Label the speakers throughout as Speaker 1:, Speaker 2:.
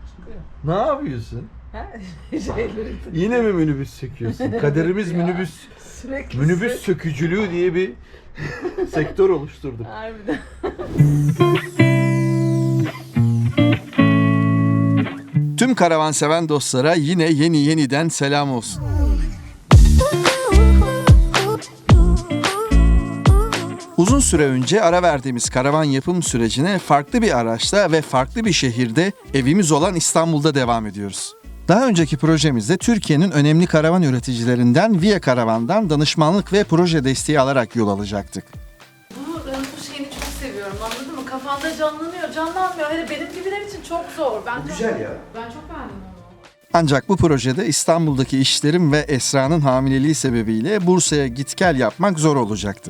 Speaker 1: Ne yapıyorsun?
Speaker 2: Ha? Şeyleri
Speaker 1: Yine mi minibüs söküyorsun? Kaderimiz
Speaker 2: Ya,
Speaker 1: minibüs
Speaker 2: sürekli
Speaker 1: minibüs sökücülüğü diye bir sektör oluşturduk.
Speaker 2: Harbiden.
Speaker 1: Tüm karavanseven dostlara yine yeniden selam olsun. Uzun süre önce ara verdiğimiz karavan yapım sürecine farklı bir araçta ve farklı bir şehirde evimiz olan İstanbul'da devam ediyoruz. Daha önceki projemizde Türkiye'nin önemli karavan üreticilerinden Via Karavan'dan danışmanlık ve proje desteği alarak yol alacaktık.
Speaker 2: Bu şeyini çok seviyorum, anladın mı? Kafanda canlanıyor, canlanmıyor. Hele benim gibiler için çok zor. Ben çok beğendim onu.
Speaker 1: Ancak bu projede İstanbul'daki işlerim ve Esra'nın hamileliği sebebiyle Bursa'ya git gel yapmak zor olacaktı.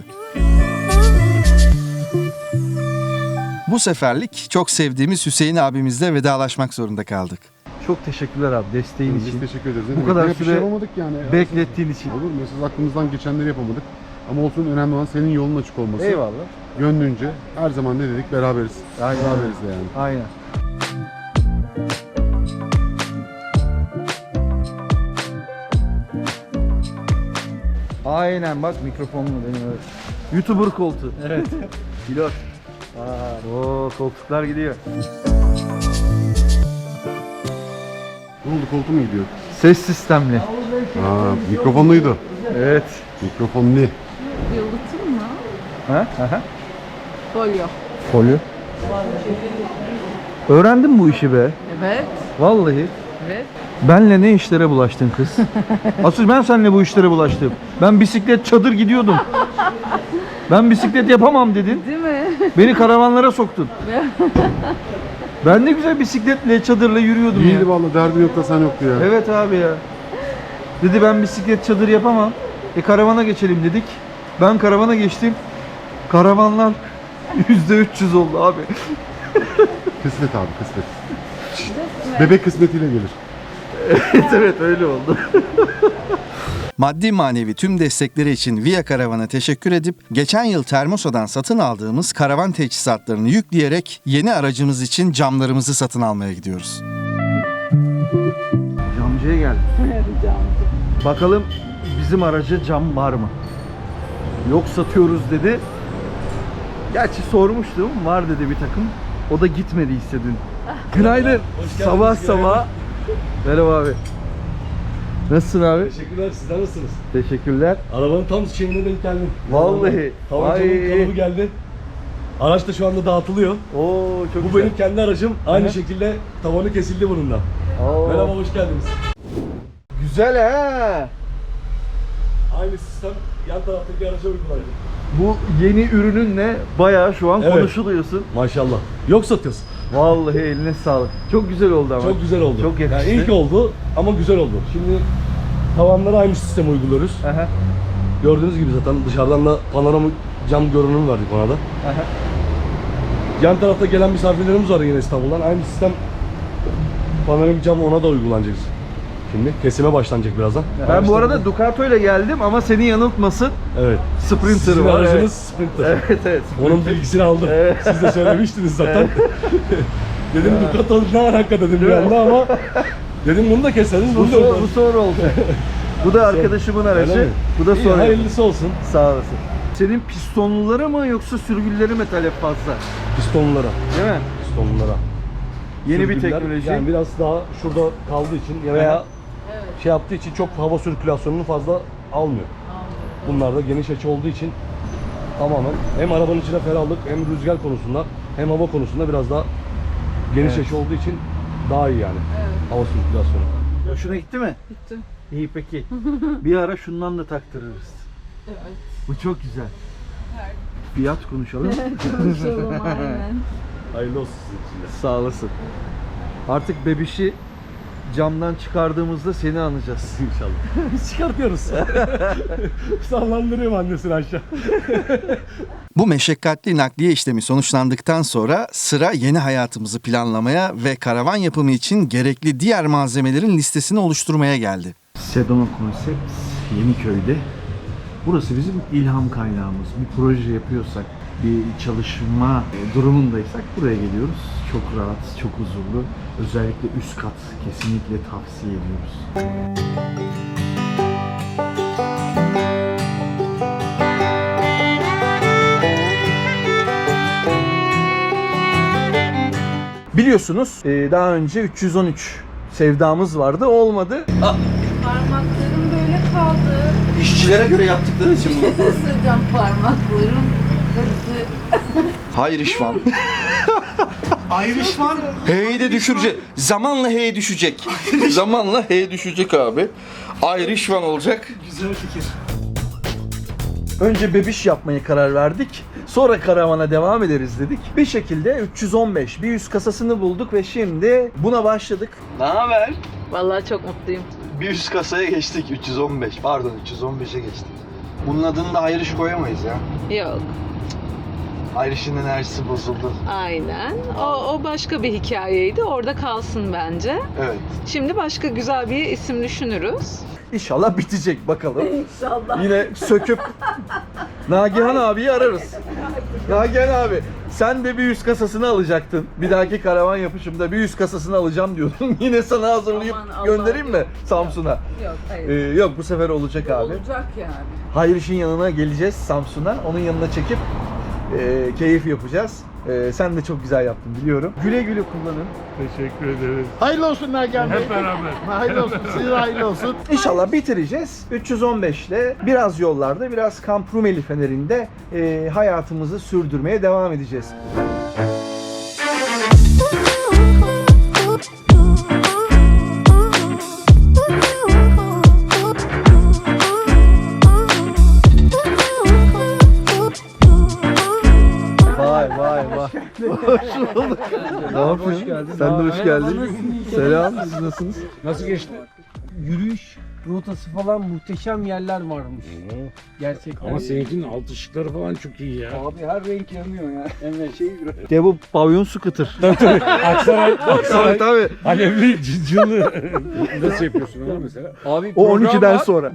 Speaker 1: Bu seferlik çok sevdiğimiz Hüseyin abimizle vedalaşmak zorunda kaldık. Çok teşekkürler abi desteğin
Speaker 3: Biz
Speaker 1: için.
Speaker 3: teşekkür ederiz.
Speaker 1: Bu kadar
Speaker 3: Bir
Speaker 1: süre
Speaker 3: şey yapamadık yani.
Speaker 1: beklettiğin için.
Speaker 3: Olur mu? Siz aklımızdan geçenleri yapamadık. Ama olsun, önemli olan senin yolun açık olması.
Speaker 1: Eyvallah.
Speaker 3: Gönlünce her zaman ne dedik? Beraberiz.
Speaker 1: Aynen.
Speaker 3: Beraberiz de yani.
Speaker 1: Aynen. Aynen bak mikrofonlu benim öyle. YouTuber koltuğu. Evet. Pilot. Oo koltuklar gidiyor.
Speaker 3: Ne oldu, koltuğu mu gidiyor?
Speaker 1: Ses sistemli.
Speaker 3: Mikrofonluydu.
Speaker 1: Evet.
Speaker 3: Mikrofonlu.
Speaker 2: Yalıtım mı?
Speaker 1: Ha? Aha.
Speaker 2: Folyo.
Speaker 1: Folyo. Öğrendin bu işi be.
Speaker 2: Evet.
Speaker 1: Vallahi.
Speaker 2: Evet.
Speaker 1: Benle ne işlere bulaştın kız? Asıl ben seninle bu işlere bulaştım. Ben bisiklet çadır gidiyordum. Ben bisiklet yapamam dedin.
Speaker 2: Değil mi?
Speaker 1: Beni karavanlara soktun. Ben ne güzel bisikletle, çadırla yürüyordum ya.
Speaker 3: İyiydi vallahi, derdi yok da sen yoktu ya.
Speaker 1: Evet abi ya. Dedi ben bisiklet çadır yapamam. Karavana geçelim dedik. Ben karavana geçtim. Karavanlar %300 oldu abi.
Speaker 3: Kısmet abi, kısmet. Bebek kısmetiyle gelir.
Speaker 1: Evet öyle oldu. Maddi manevi tüm destekleri için Via Karavan'a teşekkür edip geçen yıl Termosa'dan satın aldığımız karavan teçhizatlarını yükleyerek yeni aracımız için camlarımızı satın almaya gidiyoruz. Camcıya geldik. Bakalım bizim araca cam var mı? Yok satıyoruz dedi. Gerçi sormuştum, var dedi bir takım. O da gitmedi dün. Günaydın. Sabah sabah. Merhaba abi. Nasılsın abi?
Speaker 4: Teşekkürler, sizler nasılsınız?
Speaker 1: Teşekkürler.
Speaker 4: Arabanın tam şeyine denk geldim.
Speaker 1: Vallahi.
Speaker 4: Tavancanın kalıbı geldi. Araç da şu anda dağıtılıyor.
Speaker 1: Oo çok
Speaker 4: Bu
Speaker 1: güzel.
Speaker 4: benim kendi aracım. Aynı
Speaker 1: Hı hı.
Speaker 4: şekilde tavanı kesildi bunun da.
Speaker 1: Oo.
Speaker 4: Merhaba, hoş geldiniz.
Speaker 1: Güzel ha.
Speaker 4: Aynı sistem yan taraftaki araca uygulanacak.
Speaker 1: Bu yeni ürününle bayağı şu an
Speaker 4: Evet.
Speaker 1: konuşuluyorsun.
Speaker 4: Maşallah. Yok satıyorsun.
Speaker 1: Vallahi eline sağlık. Çok güzel oldu ama.
Speaker 4: Çok güzel oldu.
Speaker 1: Çok yakıştı.
Speaker 4: Yani ilk oldu ama güzel oldu. Şimdi tavanlara aynı sistemi uyguluyoruz.
Speaker 1: Aha.
Speaker 4: Gördüğünüz gibi zaten dışarıdan da panoramik cam görünümü verdik ona da.
Speaker 1: Aha.
Speaker 4: Yan tarafta gelen misafirlerimiz var yine İstanbul'dan. Aynı sistem panoramik cam ona da uygulanacak. Şimdi kesime başlanacak birazdan.
Speaker 1: Ben bu arada Ducato ile geldim ama seni yanıltmasın.
Speaker 4: Evet.
Speaker 1: Sprinter
Speaker 4: Sizin
Speaker 1: var.
Speaker 4: aracınız
Speaker 1: Evet.
Speaker 4: Sprinter.
Speaker 1: Evet evet.
Speaker 4: Onun bilgisini aldım.
Speaker 1: Evet.
Speaker 4: Siz de söylemiştiniz zaten. Dedim Ducato ne alaka dedim bir anda ama dedim bunu da keseriz.
Speaker 1: Bu,
Speaker 4: Bunu da
Speaker 1: bu sonra oldu. Bu da arkadaşımın
Speaker 4: Öyle
Speaker 1: aracı.
Speaker 4: mi?
Speaker 1: Bu da
Speaker 4: İyi,
Speaker 1: sonra.
Speaker 4: hayırlısı olsun.
Speaker 1: Sağ olasın. Senin pistonluları mı yoksa sürgülleri mi talep fazla?
Speaker 4: Pistonlara.
Speaker 1: Değil mi?
Speaker 4: Pistonlara.
Speaker 1: Yeni bir
Speaker 4: Sürgüller,
Speaker 1: teknoloji.
Speaker 4: Yani biraz daha şurada kaldığı için veya şey yaptığı için çok hava sirkülasyonunu fazla almıyor. Bunlar da geniş açı olduğu için tamamen hem arabanın içine ferahlık hem rüzgar konusunda hem hava konusunda biraz daha geniş
Speaker 1: Evet.
Speaker 4: açı olduğu için daha iyi yani hava sirkülasyonu.
Speaker 1: Hoşuna gitti mi?
Speaker 2: Gitti.
Speaker 1: İyi peki. Bir ara şundan da taktırırız.
Speaker 2: Evet.
Speaker 1: Bu çok güzel. Fiyat konuşalım.
Speaker 2: Konuşalım aynen.
Speaker 4: Hayırlı olsun sizin için de.
Speaker 1: Sağ olasın. Artık bebişi camdan çıkardığımızda seni anacağız.
Speaker 4: İnşallah. Biz çıkartıyoruz. Sallandırıyorum annesini aşağı.
Speaker 1: Bu meşakkatli nakliye işlemi sonuçlandıktan sonra sıra yeni hayatımızı planlamaya ve karavan yapımı için gerekli diğer malzemelerin listesini oluşturmaya geldi. Sedona Concepts Yeniköy'de. Burası bizim ilham kaynağımız. Bir proje yapıyorsak, bir çalışma durumundaysak buraya geliyoruz. Çok rahat, çok huzurlu. Özellikle üst kat kesinlikle tavsiye ediyoruz. Biliyorsunuz daha önce 313 sevdamız vardı, olmadı.
Speaker 2: Parmaklarım böyle kaldı.
Speaker 1: İşçilere göre yaptıkları için bu.
Speaker 2: Isıracağım parmaklarım. Kırdı.
Speaker 1: Hayır işvan.
Speaker 5: Ayrışman.
Speaker 1: H'yi de düşürecek. Zamanla H düşecek. Zamanla H düşecek abi. Irishman olacak.
Speaker 5: Güzel fikir.
Speaker 1: Önce bebiş yapmaya karar verdik. Sonra karavana devam ederiz dedik. Bir şekilde 315 bir üst kasasını bulduk ve şimdi buna başladık. Ne haber?
Speaker 2: Vallahi çok mutluyum.
Speaker 1: Bir üst kasaya geçtik 315. Pardon 315'e geçtik. Bunun adını da Irish koyamayız ya.
Speaker 2: Yok.
Speaker 1: Irish'in enerjisi bozuldu.
Speaker 2: Aynen. O başka bir hikayeydi. Orada kalsın bence.
Speaker 1: Evet.
Speaker 2: Şimdi başka güzel bir isim düşünürüz.
Speaker 1: İnşallah bitecek bakalım.
Speaker 2: İnşallah.
Speaker 1: Yine söküp Nagihan abiyi ararız. Nagihan abi sen de bir üst kasasını alacaktın. Bir dahaki karavan yapışımda bir üst kasasını alacağım diyordun. Yine sana hazırlayıp
Speaker 2: Aman Allah,
Speaker 1: göndereyim mi
Speaker 2: yok.
Speaker 1: Samsun'a?
Speaker 2: Yok, hayır.
Speaker 1: Yok bu sefer olacak abi.
Speaker 2: Olacak yani.
Speaker 1: Hayriş'in yanına geleceğiz Samsun'a. Onun yanına çekip keyif yapacağız. Sen de çok güzel yaptın biliyorum. Güle güle kullanın.
Speaker 3: Teşekkür ederiz.
Speaker 5: Hayırlı olsun Nagihan Bey.
Speaker 3: Hep beraber.
Speaker 5: Hayırlı olsun. Size de hayırlı olsun.
Speaker 1: İnşallah bitireceğiz. 315 ile biraz yollarda, biraz Kamp Rumeli Feneri'nde hayatımızı sürdürmeye devam edeceğiz. Vay vay vay. Hoş bulduk. Ne yapıyorsun? Sen de hoş geldin. Selam. Siz nasılsınız?
Speaker 3: Nasıl geçti?
Speaker 6: Yürüyüş rotası falan muhteşem yerler varmış. Gerçekten.
Speaker 3: Ama seninkinin alt ışıkları falan çok iyi ya.
Speaker 6: Abi her renk yanıyor ya. Evet şey
Speaker 1: Ya bu pavyon scooter.
Speaker 3: Aksaray
Speaker 1: Tabii.
Speaker 3: alevli cıcılı. Nasıl yapıyorsun onu mesela?
Speaker 6: Abi
Speaker 1: O
Speaker 6: program
Speaker 1: 12'den
Speaker 6: var.
Speaker 1: sonra.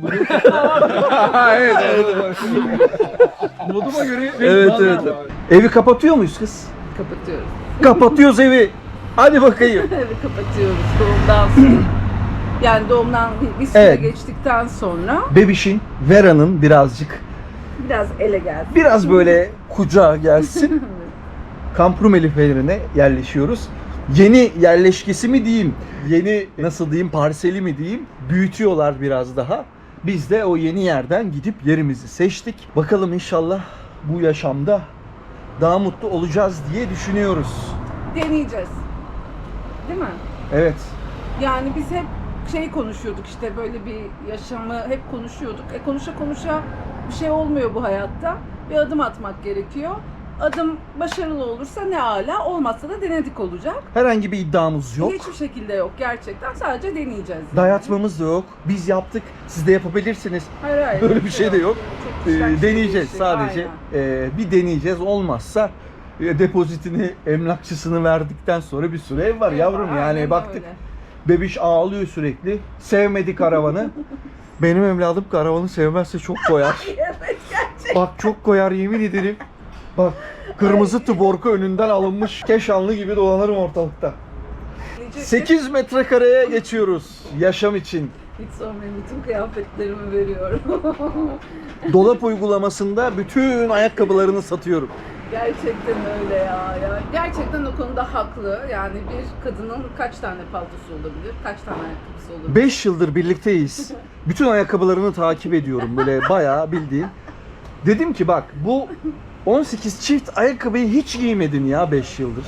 Speaker 6: Moduma göre
Speaker 1: Evet evet. Evi kapatıyor muyuz kız?
Speaker 2: Kapatıyoruz.
Speaker 1: Kapatıyoruz evi. Hadi bakayım.
Speaker 2: Evet, kapatıyoruz doğumdan sonra. Yani doğumdan bir süre
Speaker 1: Evet.
Speaker 2: geçtikten sonra
Speaker 1: Bebişin, Vera'nın birazcık
Speaker 2: biraz ele geldi.
Speaker 1: biraz böyle kucağa gelsin. Kamp Rumeli Feneri'ne yerleşiyoruz. Yeni yerleşkesi mi diyeyim, yeni nasıl diyeyim parseli mi diyeyim, büyütüyorlar biraz daha. Biz de o yeni yerden gidip yerimizi seçtik. Bakalım inşallah bu yaşamda daha mutlu olacağız diye düşünüyoruz.
Speaker 2: Deneyeceğiz. Değil mi?
Speaker 1: Evet.
Speaker 2: Yani biz hep şey konuşuyorduk işte böyle bir yaşamı hep konuşuyorduk. Konuşa konuşa bir şey olmuyor bu hayatta. Bir adım atmak gerekiyor. Adım başarılı olursa ne âlâ, olmazsa da denedik olacak.
Speaker 1: Herhangi bir iddiamız yok.
Speaker 2: Hiçbir şekilde yok gerçekten. Sadece deneyeceğiz. Yani.
Speaker 1: Dayatmamız da yok. Biz yaptık. Siz de yapabilirsiniz.
Speaker 2: Hayır.
Speaker 1: Böyle bir şey de yok.
Speaker 2: Çok kişiden kişiye
Speaker 1: Deneyeceğiz
Speaker 2: değişecek,
Speaker 1: sadece.
Speaker 2: aynen.
Speaker 1: Bir deneyeceğiz. Olmazsa depozitini emlakçısını verdikten sonra bir süre ev var
Speaker 2: Ev
Speaker 1: yavrum.
Speaker 2: var,
Speaker 1: Yani
Speaker 2: aynen
Speaker 1: baktık.
Speaker 2: öyle.
Speaker 1: Bebiş ağlıyor sürekli. Sevmedi karavanı. Benim evladım karavanı sevmezse çok koyar.
Speaker 2: Evet gerçekten.
Speaker 1: Bak çok koyar yemin ederim. Bak kırmızı tuborku önünden alınmış Keşanlı gibi dolanırım ortalıkta. 8 metrekareye geçiyoruz yaşam için.
Speaker 2: Hiç sormayın, bütün kıyafetlerimi veriyorum.
Speaker 1: Dolap uygulamasında bütün ayakkabılarını satıyorum.
Speaker 2: Gerçekten öyle ya. Gerçekten o konuda haklı. Yani bir kadının kaç tane paltosu olabilir, kaç tane ayakkabısı olabilir?
Speaker 1: 5 yıldır birlikteyiz. Bütün ayakkabılarını takip ediyorum böyle bayağı bildiğin. Dedim ki bak bu 18 çift ayakkabıyı hiç giymedin ya 5 yıldır.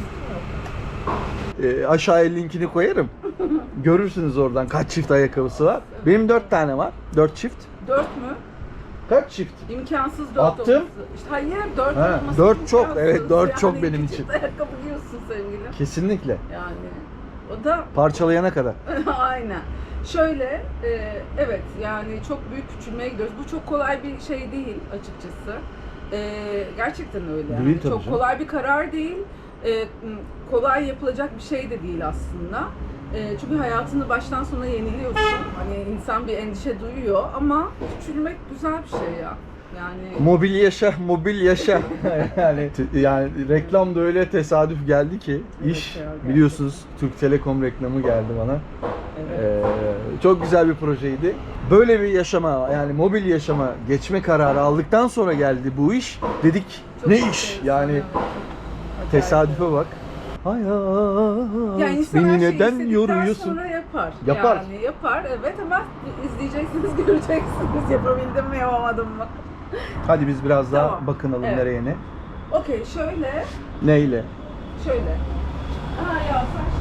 Speaker 1: Aşağıya linkini koyarım. Görürsünüz oradan kaç çift ayakkabısı var. Benim 4 tane var. 4 çift.
Speaker 2: 4 mü?
Speaker 1: Kaç çift?
Speaker 2: İmkansız 4
Speaker 1: Attım.
Speaker 2: olması. İşte hayır 4
Speaker 1: Ha,
Speaker 2: olması
Speaker 1: 4 çok.
Speaker 2: imkansız.
Speaker 1: Evet 4
Speaker 2: Yani
Speaker 1: çok benim
Speaker 2: iki
Speaker 1: için.
Speaker 2: çift ayakkabı giyiyorsun sevgilim.
Speaker 1: Kesinlikle.
Speaker 2: Yani o da
Speaker 1: Parçalayana kadar.
Speaker 2: aynen. Şöyle, evet yani çok büyük küçülmeye gidiyoruz. Bu çok kolay bir şey değil açıkçası. Gerçekten öyle. Yani.
Speaker 1: Değil tabii
Speaker 2: Çok
Speaker 1: canım.
Speaker 2: kolay bir karar değil. Kolay yapılacak bir şey de değil aslında. Çünkü hayatını baştan sona yeniliyorsun. Hani insan bir endişe duyuyor ama küçülmek güzel bir şey ya. Yani
Speaker 1: Mobil yaşa, mobil yaşa. yani reklam da öyle tesadüf geldi ki iş
Speaker 2: ya, gerçekten.
Speaker 1: biliyorsunuz Türk Telekom reklamı geldi bana.
Speaker 2: evet.
Speaker 1: Çok güzel bir projeydi. Böyle bir yaşama yani mobil yaşama geçme kararı aldıktan sonra geldi bu iş. Dedik
Speaker 2: Çok
Speaker 1: ne
Speaker 2: enteresan,
Speaker 1: iş yani
Speaker 2: evet, çok acayip.
Speaker 1: tesadüfe bak. Hayat
Speaker 2: Yani insan her
Speaker 1: beni
Speaker 2: şeyi
Speaker 1: neden
Speaker 2: istedikten
Speaker 1: yoruyorsun?
Speaker 2: sonra yapar.
Speaker 1: Yapar.
Speaker 2: Yani yapar evet ama izleyeceksiniz, göreceksiniz. Yapabildim mi, yapamadım mı?
Speaker 1: Hadi biz biraz daha
Speaker 2: Tamam.
Speaker 1: bakınalım
Speaker 2: Evet.
Speaker 1: nereye ne.
Speaker 2: Okey, şöyle.
Speaker 1: Neyle?
Speaker 2: Ya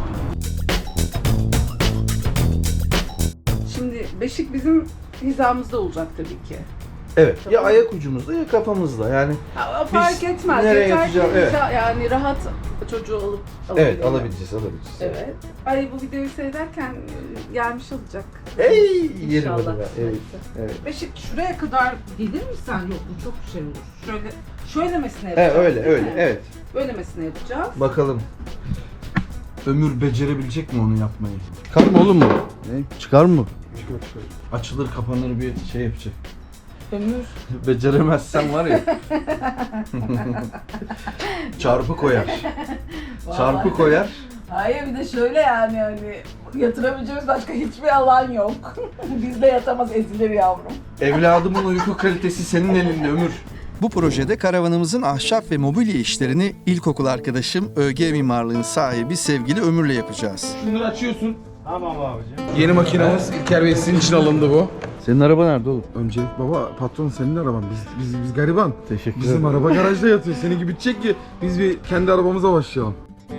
Speaker 2: şimdi beşik bizim hizamızda olacak tabii ki.
Speaker 1: Evet. Ya
Speaker 2: Tamam.
Speaker 1: ayak ucumuzda ya kafamızda. Yani
Speaker 2: Ya, fark etmez.
Speaker 1: nereye
Speaker 2: Yeter ki
Speaker 1: yatacağım? Evet.
Speaker 2: yani rahat çocuğu alıp
Speaker 1: evet
Speaker 2: alabileceğiz.
Speaker 1: alabileceğiz.
Speaker 2: Evet. Ay bu videoyu seyrederken gelmiş olacak.
Speaker 1: Ey yerim
Speaker 2: İnşallah.
Speaker 1: hadi be. Evet. Evet.
Speaker 2: Beşik şuraya kadar gelir mi sen? Yok bu çok şey olur. Şöylemesine
Speaker 1: Evet
Speaker 2: yapacağız.
Speaker 1: öyle
Speaker 2: değil
Speaker 1: öyle
Speaker 2: mi?
Speaker 1: evet.
Speaker 2: Böylemesine yapacağız.
Speaker 1: Bakalım. Ömür becerebilecek mi onu yapmayı? Çıkar mı oğlum bu? Ne? Çıkar mı? Açılır kapanır bir şey yapacak.
Speaker 2: Ömür.
Speaker 1: Beceremezsen var ya. Çarpı koyar. Çarpı
Speaker 2: Vallahi.
Speaker 1: koyar.
Speaker 2: Hayır bir de şöyle yani hani yatırabileceğimiz başka hiçbir alan yok. Bizde yatamaz, ezilir yavrum.
Speaker 1: Evladımın uyku kalitesi senin elinde Ömür.
Speaker 7: Bu projede karavanımızın ahşap ve mobilya işlerini ilkokul arkadaşım ÖG Mimarlığı'nın sahibi sevgili Ömür'le yapacağız.
Speaker 3: Şunları açıyorsun. Tamam abicim. Yeni makinamız İlker Bey sizin için alındı bu.
Speaker 1: Senin araba nerede oğlum?
Speaker 3: Öncelik baba patron senin araban. Biz gariban.
Speaker 1: Teşekkür
Speaker 3: Bizim araba garajda yatıyor. Senin gibi bitecek ki biz bir kendi arabamıza başlayalım.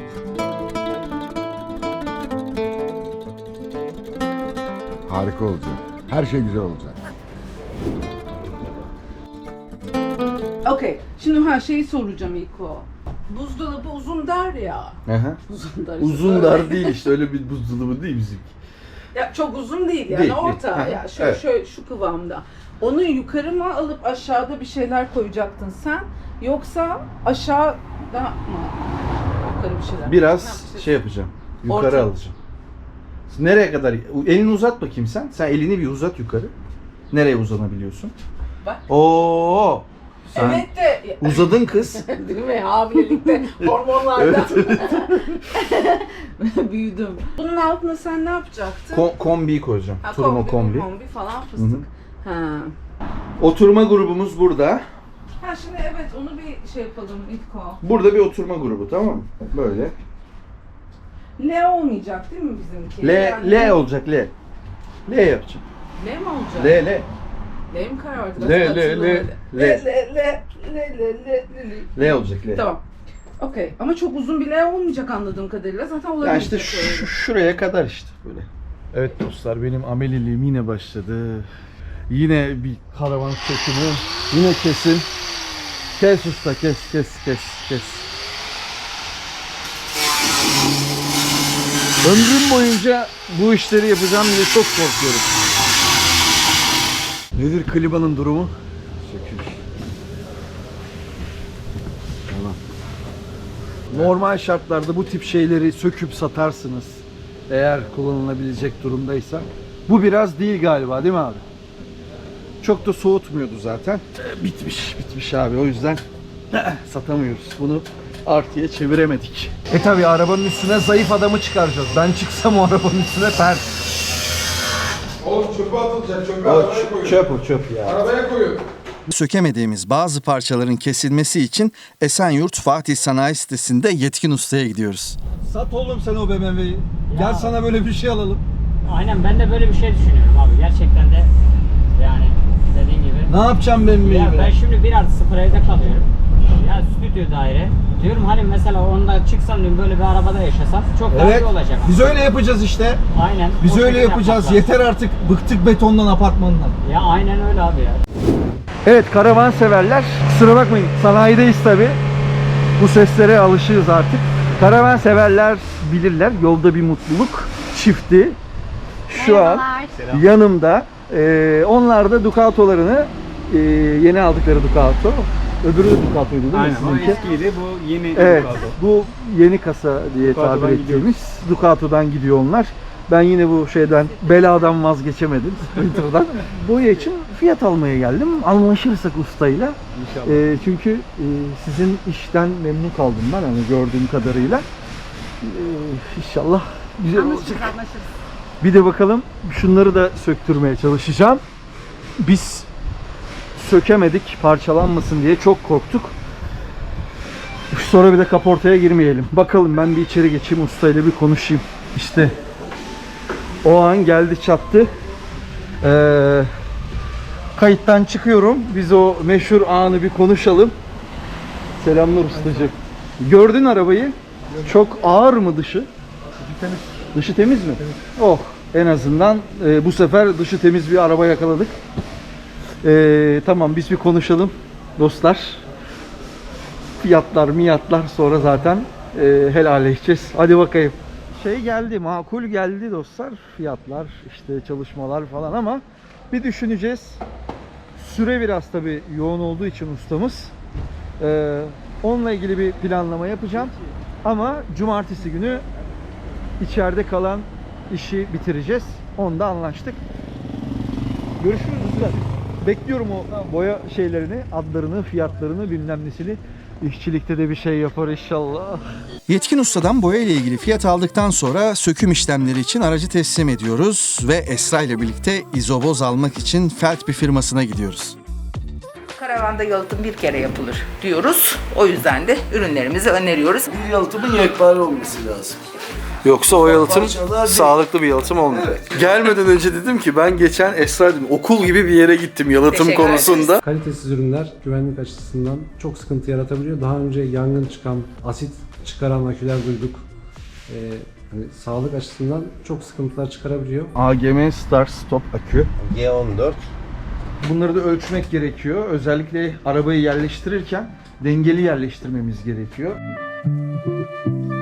Speaker 3: Harika olacak. Her şey güzel olacak.
Speaker 2: Okey. Şimdi şeyi soracağım ilk o. Buzdolabı uzun dar ya.
Speaker 1: Aha.
Speaker 2: Uzun dar.
Speaker 1: Uzun dar değil işte öyle bir buzdolabı değil bizim.
Speaker 2: Ya çok uzun değil yani
Speaker 1: Değil,
Speaker 2: orta.
Speaker 1: değil.
Speaker 2: Ya
Speaker 1: Evet.
Speaker 2: şöyle şu kıvamda. Onu yukarı mı alıp aşağıda bir şeyler koyacaktın sen? Yoksa aşağıda mı yukarı bir şeyler? Ne
Speaker 1: Biraz
Speaker 2: yapacağız?
Speaker 1: şey yapacağım. Yukarı
Speaker 2: Orta.
Speaker 1: alacağım. Nereye kadar? Elini uzat bakayım sen. Sen elini bir uzat yukarı. Nereye uzanabiliyorsun?
Speaker 2: Bak.
Speaker 1: Oo! Sen
Speaker 2: Evet de
Speaker 1: uzadın kız.
Speaker 2: değil mi? Hamilelikte hormonlardan büyüdüm. Bunun altına sen ne yapacaktın?
Speaker 1: Kombiyi koyacağım.
Speaker 2: Ha,
Speaker 1: Turma kombi.
Speaker 2: falan fıstık. Ha.
Speaker 1: Oturma grubumuz burada.
Speaker 2: Ha şimdi evet onu bir şey yapalım İlko.
Speaker 1: Burada bir oturma grubu, tamam mı? Böyle.
Speaker 2: L olmayacak değil mi bizimki?
Speaker 1: L,
Speaker 2: Yani
Speaker 1: L olacak L. L yapacağım.
Speaker 2: L mi olacak?
Speaker 1: L, L.
Speaker 2: L mi karar verdi?
Speaker 1: L, L, L,
Speaker 2: L.
Speaker 1: L olacak L.
Speaker 2: Tamam. Okey. Ama çok uzun bir L olmayacak anladığım kadarıyla. Zaten olabilir.
Speaker 1: Yani işte şuraya kadar işte böyle. Evet dostlar, benim ameliliğim yine başladı. Yine bir karavan sökümü. Yine kesin. Kes usta, kes. Ömrüm boyunca bu işleri yapacağım diye çok korkuyorum. Nedir klibanın durumu? Sökülüş. Tamam. Normal şartlarda bu tip şeyleri söküp satarsınız. Eğer kullanılabilecek durumdaysa. Bu biraz değil galiba, değil mi abi? Çok da soğutmuyordu zaten. Bitmiş abi, o yüzden satamıyoruz. Bunu artıya çeviremedik. Tabi arabanın üstüne zayıf adamı çıkaracağız. Ben çıksam o arabanın üstüne pert.
Speaker 3: Oğlum çöpe atılacak. Çöpe
Speaker 1: O çöp ya.
Speaker 3: Arabaya koyun.
Speaker 7: Sökemediğimiz bazı parçaların kesilmesi için Esenyurt Fatih Sanayi Sitesi'nde yetkin ustaya gidiyoruz.
Speaker 1: Sat oğlum sen o BMW'yi. Gel sana böyle bir şey alalım.
Speaker 8: Aynen ben de böyle bir şey düşünüyorum abi. Gerçekten de yani dediğin gibi.
Speaker 1: Ne yapacağım BMW'yi
Speaker 8: Ya ben
Speaker 1: be?
Speaker 8: şimdi 1+0 evde kalıyorum. Ya stüdyo daire. Diyorum hani mesela onda çıksam diyorum böyle bir arabada yaşasam çok daha
Speaker 1: Evet.
Speaker 8: iyi olacak.
Speaker 1: Biz öyle yapacağız işte.
Speaker 8: Aynen.
Speaker 1: Biz
Speaker 8: o
Speaker 1: öyle
Speaker 8: şekilde
Speaker 1: yapacağız.
Speaker 8: yapmak lazım.
Speaker 1: Yeter artık. Bıktık betondan, apartmandan.
Speaker 8: Ya aynen öyle abi ya.
Speaker 1: Evet, karavan severler. Kusura bakmayın. Sanayideyiz tabi. Bu seslere alışığız artık. Karavan severler bilirler. Yolda bir mutluluk çifti. Şu an yanımda. Onlar da Ducato'larını yeni aldıkları Ducato. Öbürü de Ducato'ydu değil mi?
Speaker 6: Aynen o
Speaker 1: sizinki?
Speaker 6: eskiydi bu yeni
Speaker 1: Evet,
Speaker 6: Ducato.
Speaker 1: bu yeni kasa diye
Speaker 6: Ducato'dan
Speaker 1: tabir ettiğimiz Ducato'dan gidiyor onlar. Ben yine bu şeyden, beladan vazgeçemedim. Sprinter'dan. Bu için fiyat almaya geldim. Anlaşırsak ustayla. Çünkü sizin işten memnun kaldım ben hani gördüğüm kadarıyla. İnşallah güzel olacak. Bir de bakalım şunları da söktürmeye çalışacağım. Biz sökemedik parçalanmasın diye çok korktuk. Sonra bir de kaportaya girmeyelim. Bakalım ben bir içeri geçeyim ustayla bir konuşayım. İşte o an geldi çattı. Kayıttan çıkıyorum. Biz o meşhur anı bir konuşalım. Selamlar ustacığım. Gördün arabayı. Çok ağır mı dışı? Dışı temiz mi? Oh, en azından bu sefer dışı temiz bir araba yakaladık. Tamam, biz bir konuşalım dostlar. Fiyatlar, miyatlar sonra zaten helalleşeceğiz. Hadi bakayım. Şey geldi, makul geldi dostlar. Fiyatlar, işte çalışmalar falan ama bir düşüneceğiz. Süre biraz tabii yoğun olduğu için ustamız. Onunla ilgili bir planlama yapacağım. Ama cumartesi günü içeride kalan işi bitireceğiz. Onda anlaştık. Görüşürüz usta. Bekliyorum o boya şeylerini, adlarını, fiyatlarını, bilmem nesini. İşçilikte de bir şey yapar inşallah.
Speaker 7: Yetkin ustadan boya ile ilgili fiyat aldıktan sonra söküm işlemleri için aracı teslim ediyoruz ve Esra ile birlikte izoboz almak için Felt bir firmasına gidiyoruz.
Speaker 9: Karavanda yalıtım bir kere yapılır diyoruz. O yüzden de ürünlerimizi öneriyoruz.
Speaker 5: Bir yalıtımın yekpare olması lazım.
Speaker 1: Yoksa o yalıtım
Speaker 5: Parçalar değil.
Speaker 1: sağlıklı bir yalıtım olmuyor. Gelmeden önce dedim ki ben geçen Esra dedim, okul gibi bir yere gittim yalıtım
Speaker 9: Teşekkür
Speaker 1: konusunda.
Speaker 10: Kalitesiz ürünler güvenlik açısından çok sıkıntı yaratabiliyor. Daha önce yangın çıkan, asit çıkaran aküler duyduk. Hani sağlık açısından çok sıkıntılar çıkarabiliyor.
Speaker 1: AGM Start Stop akü.
Speaker 5: G14.
Speaker 1: Bunları da ölçmek gerekiyor. Özellikle arabayı yerleştirirken dengeli yerleştirmemiz gerekiyor.